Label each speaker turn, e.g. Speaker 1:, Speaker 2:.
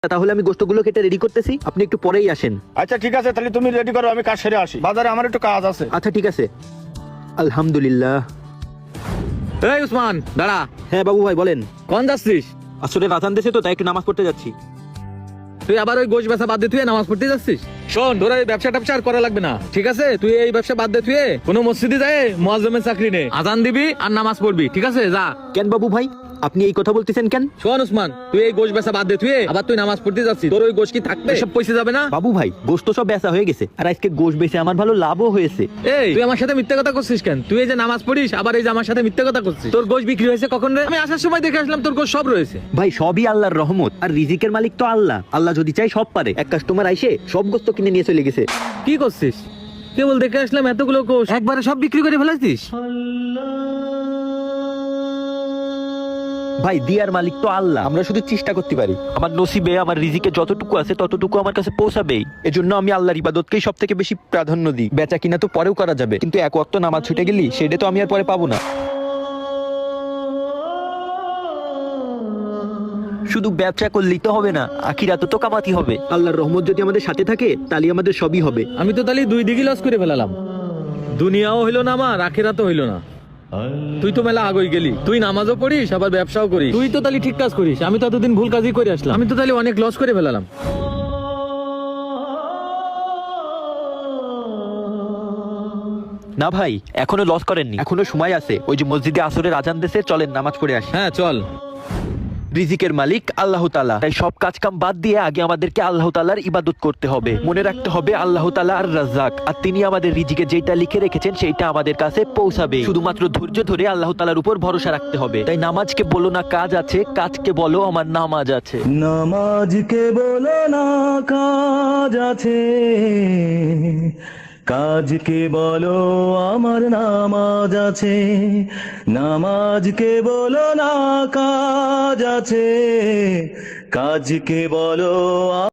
Speaker 1: তাহলে আমি গোস্তগুলো কেটে রেডি করতেছি, আপনি একটু পরেই আসেন।
Speaker 2: আচ্ছা ঠিক আছে, তাহলে তুমি রেডি করো, আমি কাজ সেরে আসি, বাজারে আমার একটু কাজ আছে।
Speaker 1: আচ্ছা ঠিক আছে। আলহামদুলিল্লাহ।
Speaker 3: এই উসমান দাঁড়া।
Speaker 1: হ্যাঁ বাবু ভাই বলেন।
Speaker 3: কোন যাচ্ছিস?
Speaker 1: আসলে রাজান দেশে তো, তাই একটু নামাজ পড়তে যাচ্ছি।
Speaker 3: তুই আবার ওই গোশ ব্যবসা বাদ দিয়ে তুই নামাজ পড়তে যাচ্ছিস? শোন, তোর এই ব্যবসা ট্যাবসা আর করা লাগবে না, ঠিক আছে? তুই এই ব্যবসা বাদ দিয়ে তুই কোনো মসজিদে যায় মুয়াজ্জিমের চাকরি নে, আজান দিবি আর নামাজ পড়বি, ঠিক আছে? যা।
Speaker 1: কেন বাবু ভাই, আপনি এই কথা বলতেছেন কেন?
Speaker 3: শোন উসমান, তুই এই গোশ ব্যবসা বাদ দিয়ে তুই আবার তুই নামাজ পড়তে যাচ্ছিস, তোর ওই গোশ কি থাকবে? সব পয়সা যাবে না?
Speaker 1: বাবু ভাই, গোশত সব বেচা হয়ে গেছে, আর আজকে গোশ বেচে আমার ভালো লাভও হয়েছে।
Speaker 3: এই তুই আমার সাথে মিথ্যা কথা করছিস কেন? তুই এই যে নামাজ পড়িস আবার এই যে আমার সাথে মিথ্যা কথা করছিস। তোর গোশ বিক্রি হয়েছে কখন রে? আমি আসার সময় দেখে আসলাম তোর গোশ সব রয়েছে।
Speaker 1: ভাই সবই আল্লাহর রহমত, আর রিজিকের মালিক তো আল্লাহ। আল্লাহ যদি চাই সব পারে। এক কাস্টমার আইসে সব গোস্ত কিনে নিয়ে চলে গেছে।
Speaker 3: কি করছিস? কেবল দেখে আসলাম এতগুলো গোশ একবারে সব বিক্রি করে ফেলাছিস?
Speaker 1: ভাই দিয়ার মালিক তো আল্লাহ, আমরা শুধু চেষ্টা করতে পারি। আমার নসিবে আমার রিজিকে যতটুকু আছে ততটুকু আমার কাছে পৌঁছাবেই। এজন্য আমি আল্লাহর ইবাদতকেই সব থেকে বেশি প্রাধান্য দিই। বেচা কিনা তো পরেও করা যাবে, কিন্তু এক ওয়াক্ত নামাজ ছুটে গেলি সেটা তো আমি আর পরে পাবো না। শুধু ব্যবসা করলেই তো হবে না, আখিরাতে তো কামাতে হবে। আল্লাহর রহমত যদি আমাদের সাথে থাকে তাহলে আমাদের সবই হবে।
Speaker 3: আমি তো তাহলে দুই দিকে লস করে ফেলালাম, দুনিয়াও হইলো না আমার, আখিরাতও হইলো না। তুই তো মেলা আগই গেলি, তুই নামাজও পড়িস আবার ব্যবসাও করিস, তুই তো তাহলে ঠিক কাজ করিস। আমি তো এতদিন ভুল কাজই করে আসলাম, আমি তো তাহলে অনেক লস করে ফেলালাম।
Speaker 1: না ভাই, এখনো লস করেননি, এখনো সময় আছে। ওই যে মসজিদে আসরের আজান দেশে, চলেন নামাজ পড়ে আসি।
Speaker 3: হ্যাঁ চল।
Speaker 1: রিজিকের মালিক আল্লাহ তাআলা, তাই সব কাজ কাম বাদ দিয়ে আগে আমাদেরকে আল্লাহ তাআলার ইবাদত করতে হবে। মনে রাখতে হবে আল্লাহ তাআলা আর রাজ্জাক, আর তিনি আমাদের রিজিকে যেটা লিখে রেখেছেন সেইটা আমাদের কাছে পৌঁছাবে। শুধুমাত্র ধৈর্য ধরে আল্লাহ তাআলার উপর ভরসা রাখতে হবে। তাই নামাজকে বলো না কাজ আছে, কাজকে বলো আমার নামাজ আছে।
Speaker 4: নামাজকে বলো না কাজ আছে, কাজকে বলো আমার নামাজ আছে। নামাজকে বলো না কাজ আছে, কাজকে বলো